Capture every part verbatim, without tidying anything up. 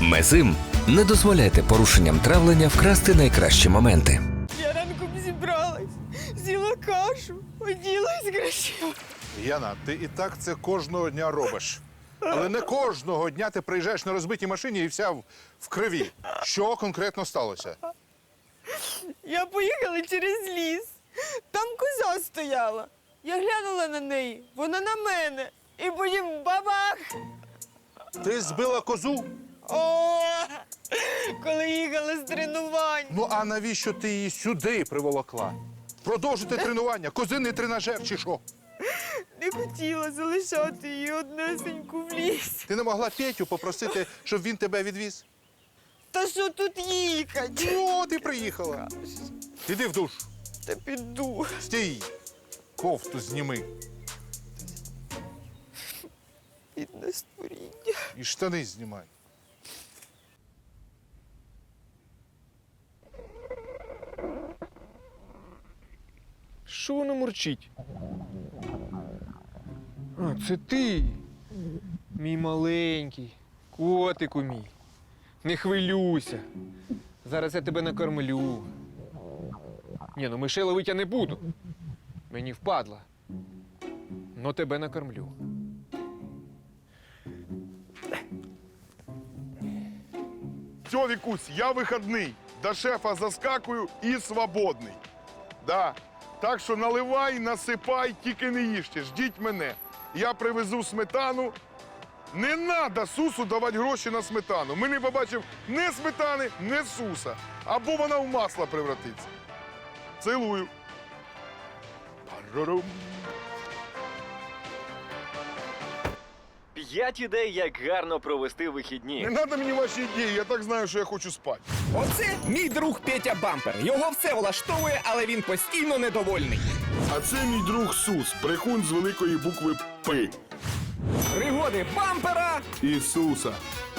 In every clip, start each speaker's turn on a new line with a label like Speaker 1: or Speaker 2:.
Speaker 1: Мезим. Не дозволяйте порушенням травлення вкрасти найкращі моменти.
Speaker 2: Я ранком зібралась, з'їла кашу, оділась красиво.
Speaker 3: Яна, ти і так це кожного дня робиш. Але не кожного дня ти приїжджаєш на розбитій машині і вся в, в крові. Що конкретно сталося?
Speaker 2: Я поїхала через ліс. Там коза стояла. Я глянула на неї, вона на мене. І потім бабах!
Speaker 3: Ти збила козу?
Speaker 2: О, коли їхала з тренувань.
Speaker 3: Ну а навіщо ти її сюди приволокла? Продовжити тренування, козиний тренажер чи що?
Speaker 2: Не хотіла залишати її однесеньку в ліс.
Speaker 3: Ти не могла Петю попросити, щоб він тебе відвіз?
Speaker 2: Та що тут їхати?
Speaker 3: Ну, ти приїхала. Іди в душ.
Speaker 2: Та піду.
Speaker 3: Стій. Кофту зніми.
Speaker 2: Бідне створіння.
Speaker 3: І штани знімай.
Speaker 4: Що воно мурчить? А, це ти, мій маленький, котику мій. Не хвилюйся. Зараз я тебе накормлю. Ні, ну мишей ловить я не буду. Мені впадло. Но тебе накормлю.
Speaker 5: Все, Вікусь, я вихідний. До шефа заскакую і свободний. Да. Так що наливай, насипай, тільки не їжте, ждіть мене. Я привезу сметану. Не треба Сусу давати гроші на сметану. Ми не побачив ні сметани, ні Суса. Або вона в масло превратиться. Цілую. Парарум.
Speaker 6: П'ять ідей, як гарно провести вихідні.
Speaker 5: Не треба мені ваші ідеї, я так знаю, що я хочу спати.
Speaker 7: Оце мій друг Петя Бампер. Його все влаштовує, але він постійно недовольний.
Speaker 5: А це мій друг Сус, брехун з великої букви П.
Speaker 7: Пригоди бампера.
Speaker 5: Ісуса.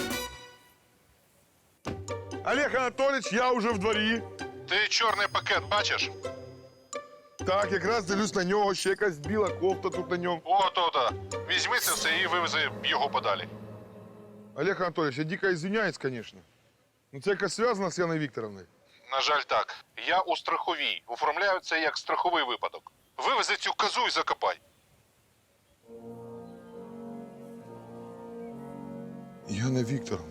Speaker 5: Олег Анатолійович, я вже в дворі.
Speaker 3: Ти чорний пакет бачиш?
Speaker 5: Так, якраз дивлюсь на нього, ще якась біла кофта тут на ньому.
Speaker 3: О, то, то. Візьми це все і вивези його подалі.
Speaker 5: Олег Анатолійович, я дико извиняюсь, звісно. Ну це якось зв'язано з Яною Вікторовною.
Speaker 3: На жаль, так. Я у страховій. Оформляю це як страховий випадок. Вивези цю козу і закопай.
Speaker 5: Яна Вікторовна.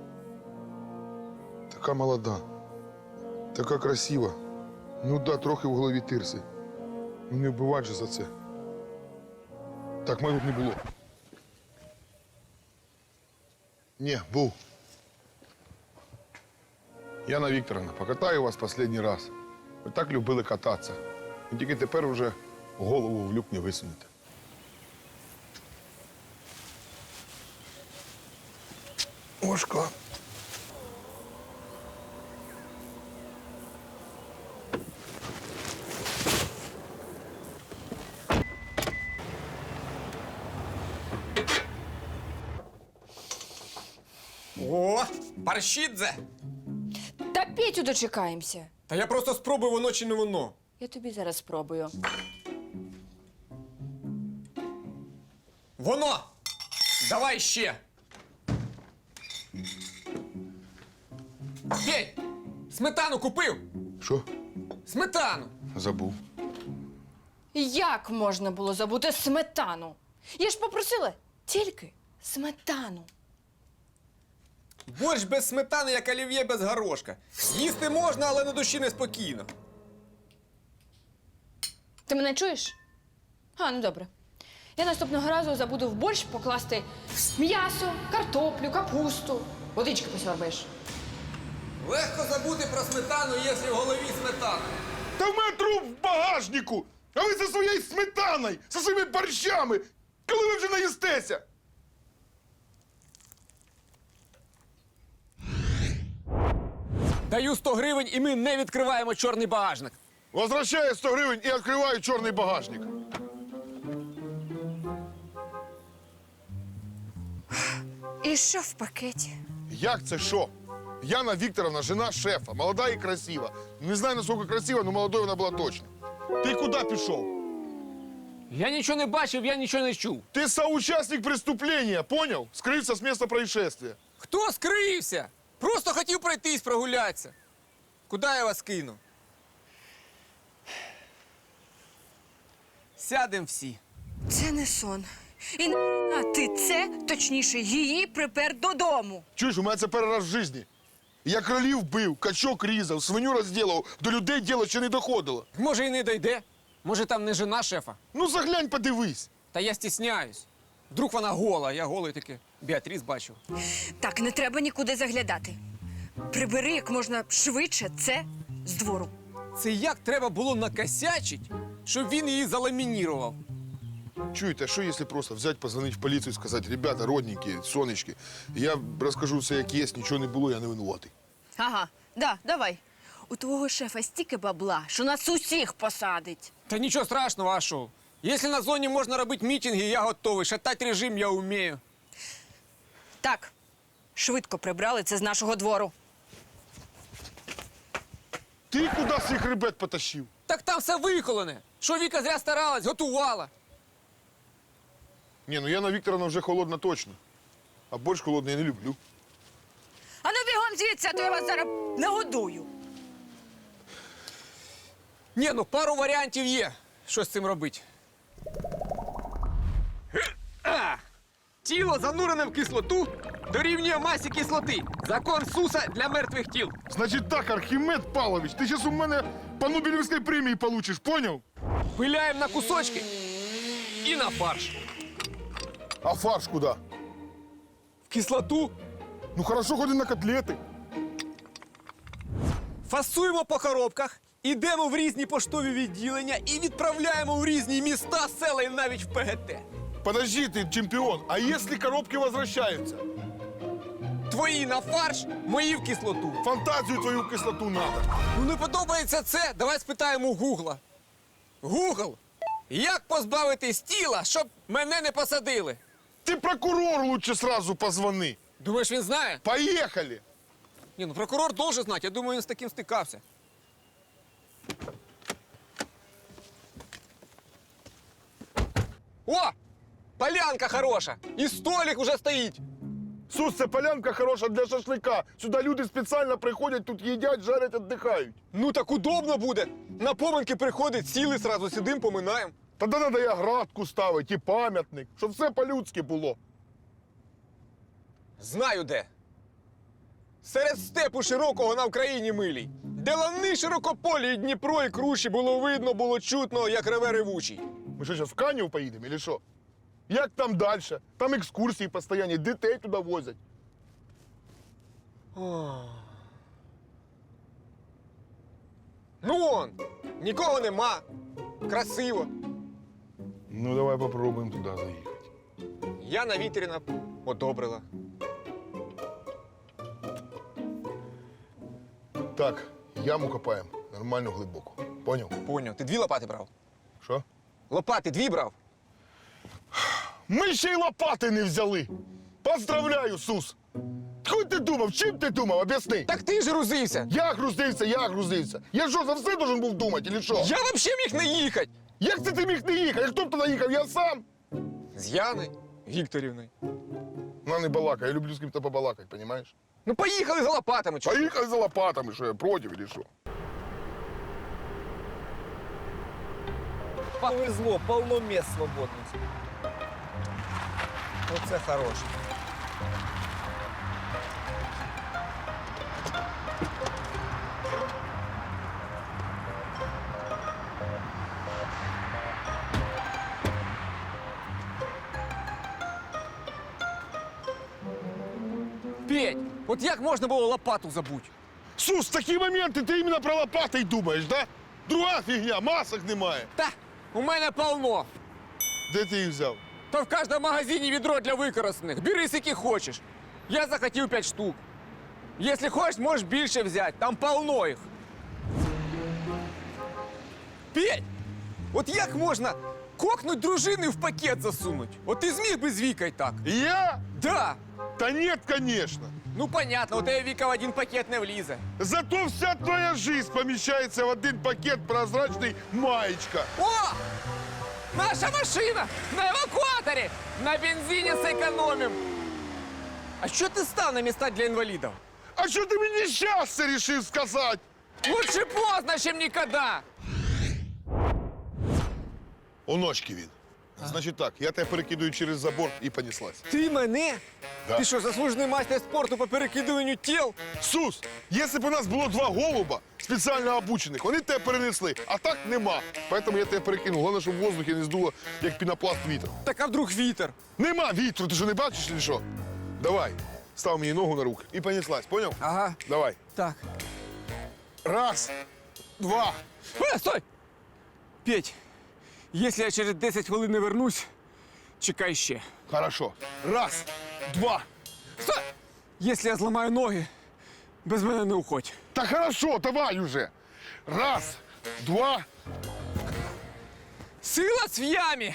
Speaker 5: Така молода. Така красива. Ну да, трохи в голові тирси. Ну не вбивать же за це. Так, мене тут не було. Ні, був. Яна Вікторовна, покатаю вас останній раз. Ви так любили кататися. І тільки тепер вже голову в люк не висунете. Ошко.
Speaker 7: О, паршідзе!
Speaker 8: Та Петю дочекаємося.
Speaker 7: Та я просто спробую, воно чи не воно.
Speaker 8: Я тобі зараз спробую.
Speaker 7: Воно! Давай ще! Петь! Сметану купив!
Speaker 5: Що?
Speaker 7: Сметану!
Speaker 5: Забув.
Speaker 8: Як можна було забути сметану? Я ж попросила тільки сметану.
Speaker 7: Борщ без сметани, як олів'є без горошка. Їсти можна, але на душі неспокійно.
Speaker 8: Ти мене чуєш? А, ну добре. Я наступного разу забуду в борщ покласти м'ясо, картоплю, капусту. Водички посьорбаєш.
Speaker 7: Легко забути про сметану, якщо в голові сметана.
Speaker 5: Та в мене труп в багажнику! А ви зі своєю сметаною, зі своїми борщами! Коли ви вже наїстеся?
Speaker 7: Даю сто гривень, і ми не відкриваємо чорний багажник.
Speaker 5: Возвращаю сто гривень і відкриваю чорний багажник.
Speaker 8: І що в пакеті?
Speaker 5: Як це що? Яна Вікторовна, жена шефа, молода і красива. Не знаю, наскільки красива, але молодою вона була точно. Ти куди пішов?
Speaker 4: Я нічого не бачив, я нічого не чув.
Speaker 5: Ти соучасник преступления, понял? Скрився з місця происшествия.
Speaker 4: Хто скрився? Просто хотів пройтись, прогулятися. Куди я вас кину? Сядем всі.
Speaker 2: Це не сон. І на ти це, точніше, її припер додому.
Speaker 5: Чуєш, у мене це перший раз в житті. Я кролів бив, качок різав, свиню розділав, до людей діло ще не доходило.
Speaker 4: Може, і не дойде. Може, там не жена шефа.
Speaker 5: Ну заглянь, подивись.
Speaker 4: Та я стісняюсь. Вдруг вона гола, я голий таки Біатріс бачив.
Speaker 2: Так, не треба нікуди заглядати. Прибери як можна швидше це з двору.
Speaker 4: Це як треба було накосячить, щоб він її заламінірував.
Speaker 5: Чуєте, а що якщо просто взяти, позвонити в поліцію і сказати, ребята, родненькі, сонечки, я розкажу все як є, нічого не було, я не винуватий.
Speaker 2: Ага, да, давай. У твого шефа стільки бабла, що нас усіх посадить.
Speaker 4: Та нічого страшного, а що? Якщо на зоні можна робити мітинги, я готовий. Шатати режим я вмію.
Speaker 2: Так, швидко прибрали це з нашого двору.
Speaker 5: Ти куди свій хребет потащив?
Speaker 4: Так там все виколене. Що Віка зря старалась, готувала.
Speaker 5: Ні, ну Яна Вікторовна вже холодна точно. А борщ холодний я не люблю.
Speaker 2: А ну бігом звідси, а то я вас зараз нагодую.
Speaker 4: Ні, ну пару варіантів є. Що з цим робити? А! Тіло, занурене в кислоту, дорівнює масі кислоти. Закон Суса для мертвих тіл.
Speaker 5: Значить так, Архімед Павлович, ти зараз у мене по Нобелівській премії получиш, поняв?
Speaker 4: Пиляємо на кусочки і на фарш.
Speaker 5: А фарш куди?
Speaker 4: В кислоту
Speaker 5: Ну хорошо, ходи на котлети.
Speaker 4: фасуємо по коробках, ідемо в різні поштові відділення і відправляємо в різні міста, села і навіть в ПГТ.
Speaker 5: Подожди, ты чемпион, а если коробки возвращаются?
Speaker 4: Твої на фарш, мої в кислоту.
Speaker 5: Фантазию твою в кислоту надо.
Speaker 4: Ну не подобається це, давай спитаємо у Гугла. Гугл, як позбавитись тіла, щоб мене не посадили?
Speaker 5: Ты прокурору лучше сразу позвони.
Speaker 4: Думаєш, він знає?
Speaker 5: Поехали.
Speaker 4: Ні, ну прокурор должен знати, я думаю, він з таким стикався. О! Полянка хороша! І столик уже стоїть.
Speaker 5: Сус, це полянка хороша для шашлика. Сюди люди спеціально приходять, тут їдять, жарять, віддихають.
Speaker 4: Ну так удобно буде. На поминки приходить, сіли, сразу сидим, поминаємо.
Speaker 5: Тоді треба і оградку ставити, і пам'ятник, щоб все по-людськи було.
Speaker 4: Знаю де. Серед степу широкого на Україні милій. Де лани широкополі, і Дніпро, і круші було видно, було чутно, як реве ревучий.
Speaker 5: Ми що, зараз в Канів поїдемо, чи що? Як там далі? Там екскурсії постійні, дітей туди возять.
Speaker 4: Ну он, нікого нема. Красиво.
Speaker 5: Ну, давай попробуємо туди заїхати.
Speaker 4: Яна Вітріна одобрила.
Speaker 5: Так, яму копаємо, нормально глибоко. Поняв?
Speaker 4: Поняв. Ти дві лопати брав?
Speaker 5: Що?
Speaker 4: Лопати дві брав?
Speaker 5: Ми ще й лопати не взяли. Поздравляю, Сус. Хуй ти думав, чим ти думав, об'ясни.
Speaker 4: Так ти ж грузився.
Speaker 5: Я грузився, я грузився. Я що, за все должен був думати, чи що?
Speaker 4: Я взагалі міг не їхати.
Speaker 5: Як це ти міг не їхати? Хто б туди їхав? Я сам.
Speaker 4: З Яною Вікторівною.
Speaker 5: Вона не балакає, я люблю з ким-то побалакати, розумієш?
Speaker 4: Ну поїхали за лопатами. Чого?
Speaker 5: Поїхали за лопатами, що я проти, чи що?
Speaker 9: Повезло, полно мест свободных. Оце хороше.
Speaker 4: Петь, от як можна було лопату забути?
Speaker 5: Сус, в такі моменти ти іменно про лопати й думаєш, да? Друга фігня, масок немає.
Speaker 4: Та, у мене полно.
Speaker 5: Де ти їх взяв?
Speaker 4: Та в кожному магазині відро для використаних. Бери скільки хочеш. Я захотів п'ять штук. Якщо хочеш, можеш більше взяти. Там полно їх. Петь, от як можна кокнуть дружину і в пакет засунуть? От ти зміг би з Вікою так?
Speaker 5: Я?
Speaker 4: Да.
Speaker 5: Та ні, звісно.
Speaker 4: Ну понятно, у тебе Віка в один пакет не влізе.
Speaker 5: Зато вся твоя жизнь поміщається в один пакет прозрачний маєчка.
Speaker 4: О! Наша машина! На евакуаторі! На бензині зекономим!
Speaker 7: А що ти став на міста для інвалідів?
Speaker 5: А що ти мені щас це рішив сказати?
Speaker 7: Лучше поздно, чим ніколи.
Speaker 5: Оночки він. Значить так, я тебе перекидую через забор і понеслась.
Speaker 7: Ти мене?
Speaker 5: Да.
Speaker 7: Ти що, заслужений майстер спорту по перекидуванню тіл?
Speaker 5: Сус, якщо б у нас було два голуба, спеціально обучених, вони тебе перенесли, а так нема. Тому я тебе перекинув. Головне, щоб в воздухі не здуло, як пінопласт вітер.
Speaker 7: Так а вдруг вітер?
Speaker 5: Нема вітру, ти що не бачиш чи що? Давай, став мені ногу на руки і понеслась, поняв?
Speaker 7: Ага.
Speaker 5: Давай.
Speaker 7: Так.
Speaker 5: Раз, два.
Speaker 7: Е, стой! Петь, якщо я через десять хвилин не вернусь, чекай ще.
Speaker 5: Хорошо. Раз, два.
Speaker 7: Стой! Якщо я зламаю ноги, без мене не уходь.
Speaker 5: Та хорошо, давай уже. Раз, два.
Speaker 7: Сила в ямі!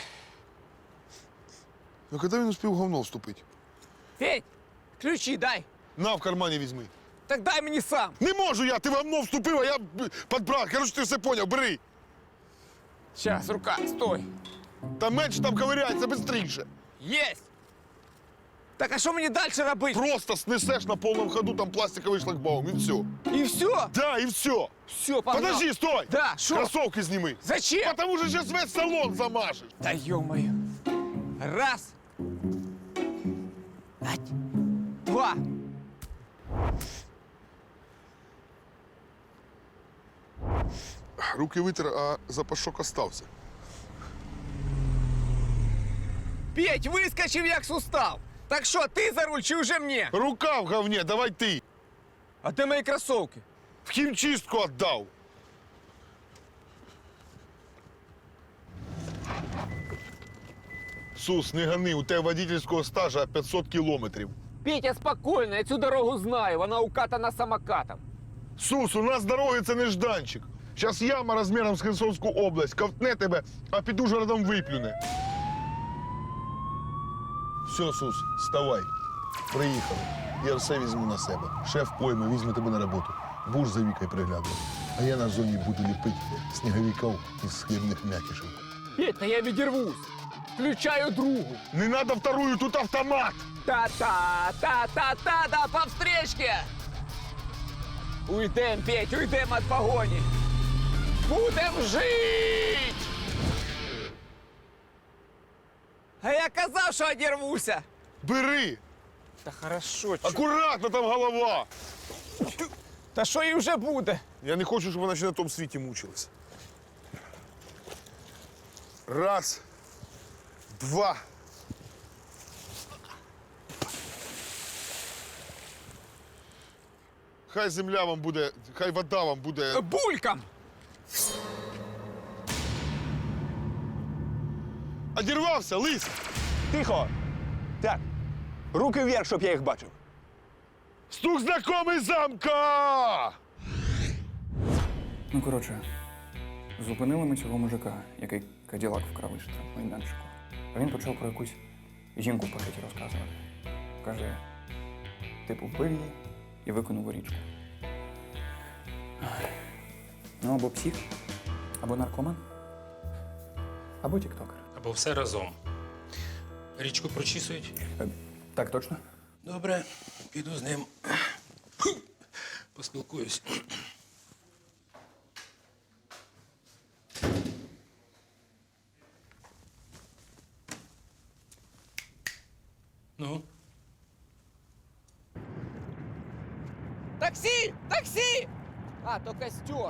Speaker 5: Ну коли він успів говно вступити?
Speaker 7: Петь, ключі дай.
Speaker 5: На, в кармані візьми.
Speaker 7: Так дай мені сам.
Speaker 5: Не можу я, ти в говно вступив, а я подбрав. Короче, ти все поняв, бери.
Speaker 7: Сейчас, рука, стой.
Speaker 5: Та менше там ковиряється, бистріше.
Speaker 7: Єсть! Так а що мені далі робити?
Speaker 5: Просто снесеш на повному ходу там пластиковий шлагбаум, і все.
Speaker 7: І все?
Speaker 5: Да, і все.
Speaker 7: Все, погнал.
Speaker 5: Подожди, стой!
Speaker 7: Да, що?
Speaker 5: Кроссовки зніми.
Speaker 7: Зачем?
Speaker 5: Потому що зараз весь салон замажеш.
Speaker 7: Да ё-моё. Раз. Ать. Два.
Speaker 5: Руки витер, а запашок остався.
Speaker 7: Петь, вискочив як сустав. Так що, ти за руль чи вже мені?
Speaker 5: Рука в говні, давай ти.
Speaker 7: А де мої кросовки?
Speaker 5: В хімчистку віддав. Сус, не гони, у тебе водительського стажа п'ятсот кілометрів.
Speaker 7: Петя, спокійно, я цю дорогу знаю, вона укатана самокатом.
Speaker 5: Сус, у нас дороги це нежданчик. Зараз яма розміром з Херсонську область ковтне тебе, а під Ужгородом виплюне. Все, Сус, вставай. Приїхали. Я все візьму на себе. Шеф пойме, візьме тебе на роботу. Будеш за Вікою приглядувати. А я на зоні буду ліпити сніговиків із хлібних м'якішів.
Speaker 7: Петь, та я відірвусь. Включаю другу.
Speaker 5: Не надо вторую, тут автомат.
Speaker 7: Та-та, та-та-та, да по встречке. Уйдем, Петь, уйдем от погоні. Будем жить! А я казав, що одірвуся.
Speaker 5: Бери.
Speaker 7: Та хорошо, чо.
Speaker 5: Акуратно там голова.
Speaker 7: Та що і вже буде?
Speaker 5: Я не хочу, щоб вона ще на тому світі мучилась. Раз, два. Хай земля вам буде, хай вода вам буде.
Speaker 7: Булькам!
Speaker 5: Одірвався, лис!
Speaker 9: Тихо! Так, руки вверх, щоб я їх бачив.
Speaker 5: Стук знакомий замка!
Speaker 10: Ну, коротше, зупинили ми цього мужика, який Каділак вкрав із майданчику. А він почав про якусь жінку в пакеті розказувати. Каже, типу, вбив її і викинув у річку. Ай. Ну, або псих, або наркоман, або тіктокер.
Speaker 11: Або все разом. Річку прочісують?
Speaker 10: Е, так, точно?
Speaker 11: Добре, піду з ним. Поспілкуюсь. Ну?
Speaker 7: Таксі! Таксі! А, то костер.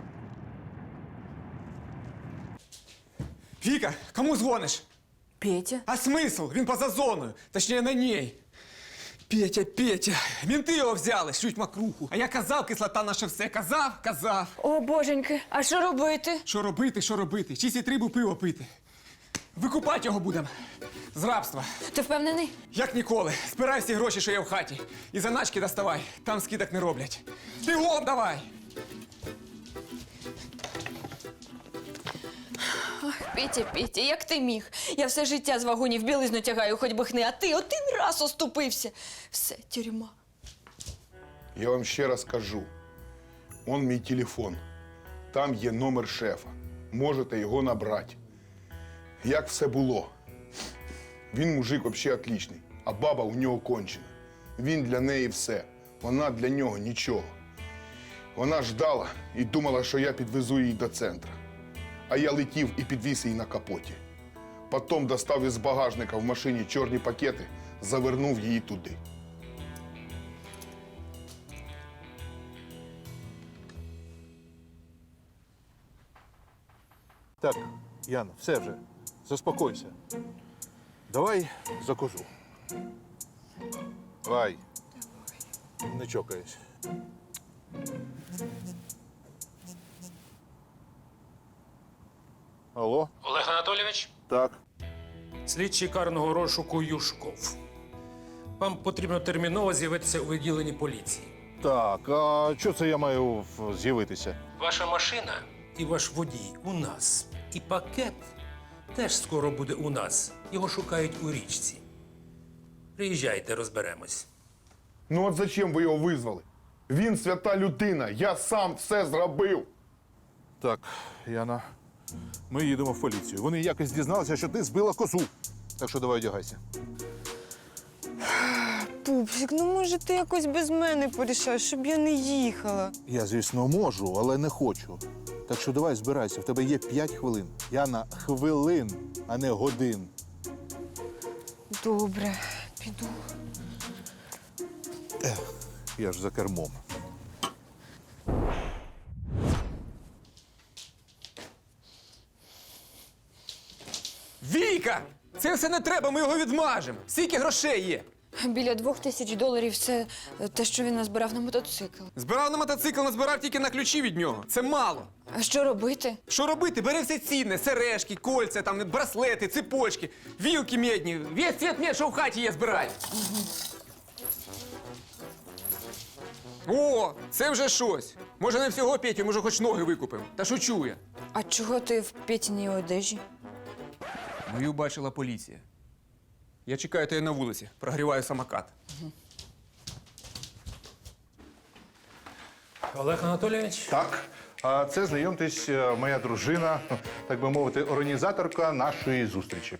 Speaker 7: Віка, кому дзвониш?
Speaker 2: Петя?
Speaker 7: А смисл? Він поза зоною. Точніше, на ній. Петя, Петя, мінти його взяли, шлють макруху. А я казав, кислота наше все. Казав, казав.
Speaker 8: О, боженьки, а що робити?
Speaker 7: Що робити, що робити? Чисті трибу пиво пити. Викупати його будемо. З рабства.
Speaker 8: Ти впевнений?
Speaker 7: Як ніколи. Збирай всі гроші, що є в хаті. І заначки доставай. Там скидок не роблять. Бігом давай!
Speaker 8: Петя, Петя, як ти міг? Я все життя з вагонів білизну тягаю, хоч би хни, а ти один раз оступився. Все, тюрма.
Speaker 5: Я вам ще раз кажу. Он мій телефон. Там є номер шефа. Можете його набрати. Як все було. Він мужик взагалі отличний, а баба у нього кончена. Він для неї все. Вона для нього нічого. Вона ждала і думала, що я підвезу її до центру. А я летів і підвіз її на капоті. Потім достав із багажника в машині чорні пакети, завернув її туди.
Speaker 3: Так, Яна, все вже. Заспокойся. Давай за козу. Давай. Не чокайся. Алло?
Speaker 11: Олег Анатолійович,
Speaker 3: Так.
Speaker 11: слідчий карного розшуку Юшков. Вам потрібно терміново з'явитися у відділенні поліції.
Speaker 3: Так, а що це я маю в- з'явитися?
Speaker 11: Ваша машина і ваш водій у нас. І пакет теж скоро буде у нас. Його шукають у річці. Приїжджайте, розберемось.
Speaker 5: Ну от зачем ви його визвали? Він свята людина, я сам все зробив.
Speaker 3: Так, Яна, ми їдемо в поліцію. Вони якось дізналися, що ти збила козу. Так що давай одягайся.
Speaker 2: Пупсик, ну може ти якось без мене порішаєш, щоб я не їхала.
Speaker 3: Я, звісно, можу, але не хочу. Так що давай збирайся, в тебе є п'ять хвилин. Яна, хвилин, а не годин.
Speaker 2: Добре, піду.
Speaker 3: Я ж за кермом.
Speaker 7: Віка! Це все не треба, ми його відмажемо. Скільки грошей є?
Speaker 8: Біля двох тисяч доларів це е, те, що він назбирав на мотоцикл.
Speaker 7: Збирав на мотоцикл, назбирав тільки на ключі від нього. Це мало.
Speaker 8: А що робити?
Speaker 7: Що робити? Бери все цінне, сережки, кольця, там, браслети, цепочки, вілки медні. Весь цвіт мед, що в хаті є, збирай. О, це вже щось. Може, не всього Петю, може, хоч ноги викупимо. Та шучу я.
Speaker 8: А чого ти в Петіній одежі?
Speaker 7: Мою бачила поліція. Я чекаю тебе на вулиці, прогріваю самокат.
Speaker 11: Олег Анатолійович,
Speaker 3: Так, а це, знайомтесь, е, моя дружина, так би мовити, організаторка нашої зустрічі.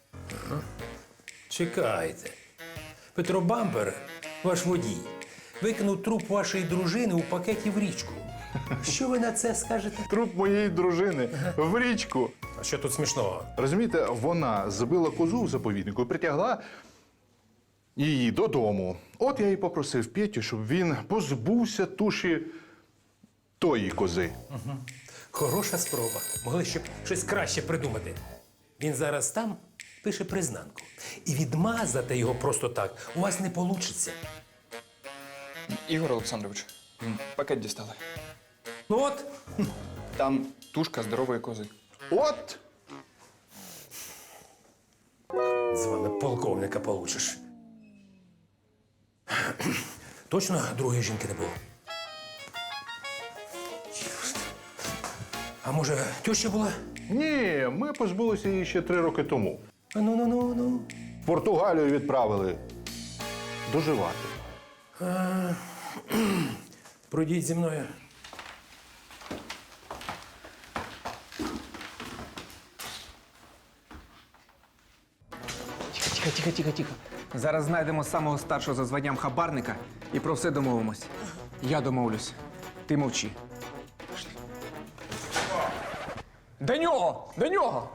Speaker 11: чекайте. Петро Бампер, ваш водій, викинув труп вашої дружини у пакеті в річку. Що ви на це скажете?
Speaker 3: Труп моєї дружини в річку.
Speaker 11: А що тут смішного?
Speaker 3: Розумієте, вона збила козу в заповіднику і притягла її додому. От я і попросив Петю, щоб він позбувся туші тої кози.
Speaker 11: Хороша спроба. Могли ще б щось краще придумати. Він зараз там пише признанку. І відмазати його просто так у вас не вийде.
Speaker 10: Ігор Олександрович, пакет дістали.
Speaker 11: Ну от,
Speaker 10: Там тушка здорової кози.
Speaker 3: От!
Speaker 11: з вами полковника получиш. Точно другої жінки не було? А може, теща була?
Speaker 3: Ні, ми позбулися її ще три роки тому.
Speaker 11: Ну, ну, ну, ну.
Speaker 3: В Португалію відправили доживати.
Speaker 11: Пройдіть зі мною.
Speaker 7: Тихо, тихо, тихо, тихо. Зараз знайдемо самого старшого за званням хабарника і про все домовимось. Я домовлюсь. Ти мовчи. Пішли. До нього! До нього!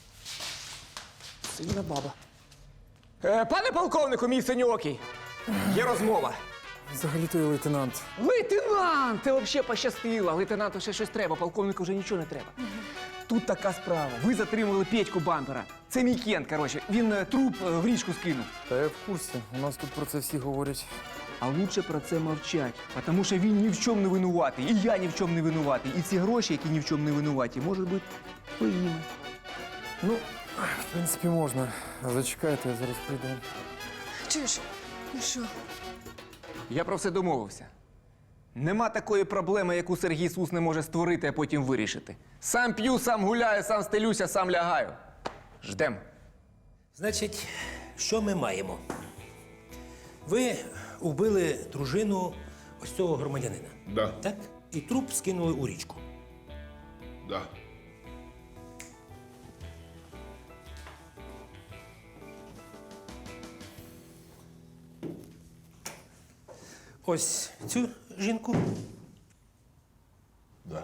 Speaker 7: Сильна баба. Е, пане полковнику, мій синьокий, є розмова.
Speaker 12: Взагалі-то я лейтенант.
Speaker 7: Лейтенант! Це взагалі пощастило. Лейтенанту ще щось треба, полковнику вже нічого не треба. Тут така справа. Ви затримали Петьку Бампера. Це мій кент, коротше. Він е, труп е, в річку скинув.
Speaker 12: Та я в курсі. У нас тут про це всі говорять.
Speaker 7: А лучше про це мовчать, тому що він ні в чому не винуватий, і я ні в чому не винуватий. І ці гроші, які ні в чому не винуваті, можуть бути твоїми.
Speaker 12: Ну, в принципі, можна. Зачекайте, я зараз прийду.
Speaker 8: Чуєш? Ну що?
Speaker 7: Я про все домовився. Нема такої проблеми, яку Сергій Сус не може створити, а потім вирішити. Сам п'ю, сам гуляю, сам стелюся, сам лягаю. Ждем.
Speaker 11: Значить, що ми маємо? Ви вбили дружину ось цього громадянина.
Speaker 5: Да.
Speaker 11: Так? І труп скинули у річку.
Speaker 5: Да.
Speaker 11: ось цю жінку?
Speaker 5: Да.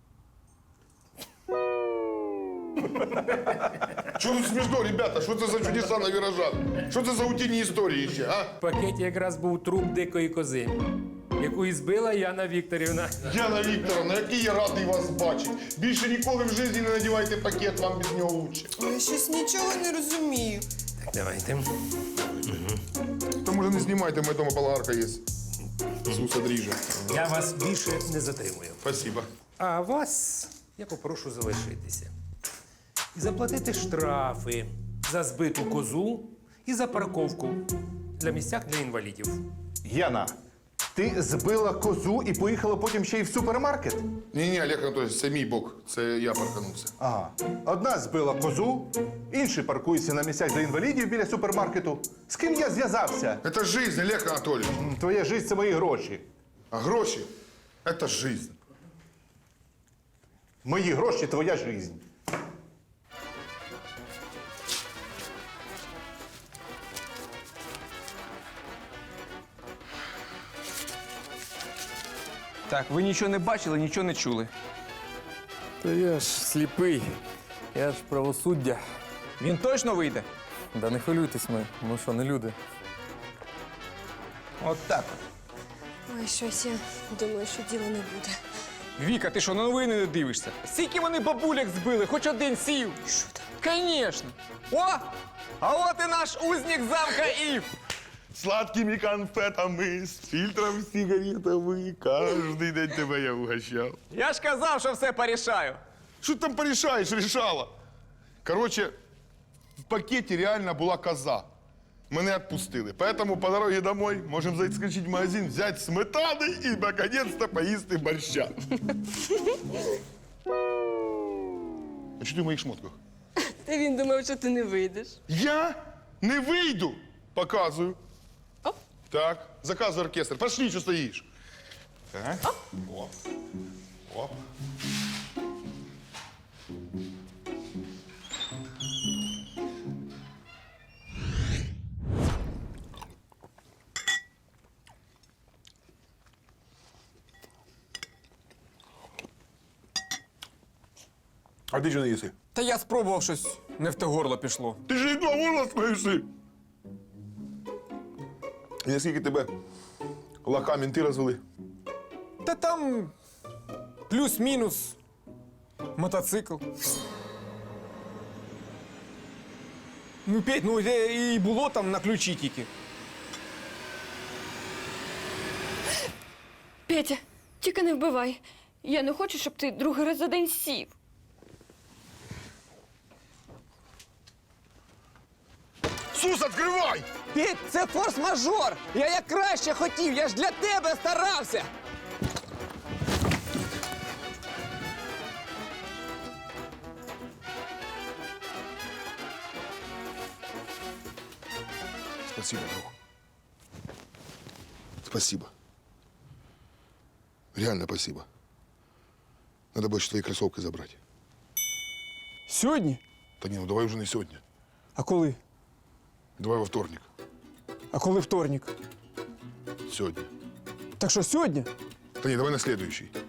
Speaker 5: Що тут смішно, ребята? Що це за чудеса на віражах? Що це за утіні історії ще, а?
Speaker 11: В пакеті якраз був труп дикої кози, яку і збила Яна Вікторівна.
Speaker 5: Яна Вікторовна, який я радий вас бачити. Більше ніколи в житті не надівайте пакет, вам без нього лучше.
Speaker 2: Я щось нічого не розумію.
Speaker 11: Так, давайте.
Speaker 5: Та може не знімайте, у мене дома болгарка є. Суса дріже.
Speaker 11: Я вас більше не затримую.
Speaker 5: Спасибо.
Speaker 11: А вас я попрошу залишитися. І заплатити штрафи за збиту козу і за парковку для місцях для інвалідів.
Speaker 3: Яна, ти збила козу і поїхала потім ще й в супермаркет?
Speaker 5: Ні-ні, Олег Анатолійович, це мій бок. Це я парканувся.
Speaker 3: Ага. Одна збила козу, інший паркується на місцях для інвалідів біля супермаркету. З ким я зв'язався?
Speaker 5: Це жизнь, Олег Анатолійович.
Speaker 3: М, Твоя життя – це мої гроші.
Speaker 5: А гроші – це жизнь.
Speaker 3: Мої гроші – твоя життя.
Speaker 7: Так, ви нічого не бачили, нічого не чули.
Speaker 12: Та я ж сліпий. Я ж правосуддя.
Speaker 7: Він точно вийде?
Speaker 12: Да не хвилюйтесь ми. Ми що, не люди?
Speaker 7: От так.
Speaker 8: Ой, щось я думаю, що діла не буде.
Speaker 7: Віка, ти що, новини не дивишся? Скільки вони бабуляк збили, хоч один сів.
Speaker 8: Що там?
Speaker 7: Конечно. О! А от і наш узник замка Ів.
Speaker 5: Сладкими конфетами, з фільтром сигаретами. Кожний день тебе я угощав.
Speaker 7: Я ж казав, що все порішаю.
Speaker 5: Що ти там порішаєш, рішала? Короче, в пакеті реально була коза. Мене відпустили. Поэтому по дороге домой можемо заскочити в магазин, взяти сметани і, наконец-то, поїсти борща. А що ти в моїх шмотках?
Speaker 2: Та він думав, що ти не вийдеш.
Speaker 5: Я не вийду. Показую. Оп. Так, заказуй оркестр. Пошли, що стоїш. Так. Оп. Оп. А ти що не їси?
Speaker 7: Та я спробував щось, не в те горло пішло.
Speaker 5: Ти ж і горло спивши. І наскільки тебе лоха мінти розвели?
Speaker 7: Та там плюс-мінус мотоцикл. Ну, Петь, ну де і було там на ключі тільки.
Speaker 8: Петя, тільки не вбивай. Я не хочу, щоб ти другий раз за день сів.
Speaker 5: Сус, відкривай!
Speaker 7: Петь, це форс-мажор! Я як краще хотів, я ж для тебе старався!
Speaker 5: Спасибо, друг. Спасибо. Реально спасибо. Надо больше твои кроссовки забрать.
Speaker 7: Сьогодні?
Speaker 5: Та ні, ну давай уже не сьогодні.
Speaker 7: А коли?
Speaker 5: Давай во вторник.
Speaker 7: А коли вторник?
Speaker 5: Сьогодні.
Speaker 7: Так що сьогодні?
Speaker 5: Та ні, давай на следующий.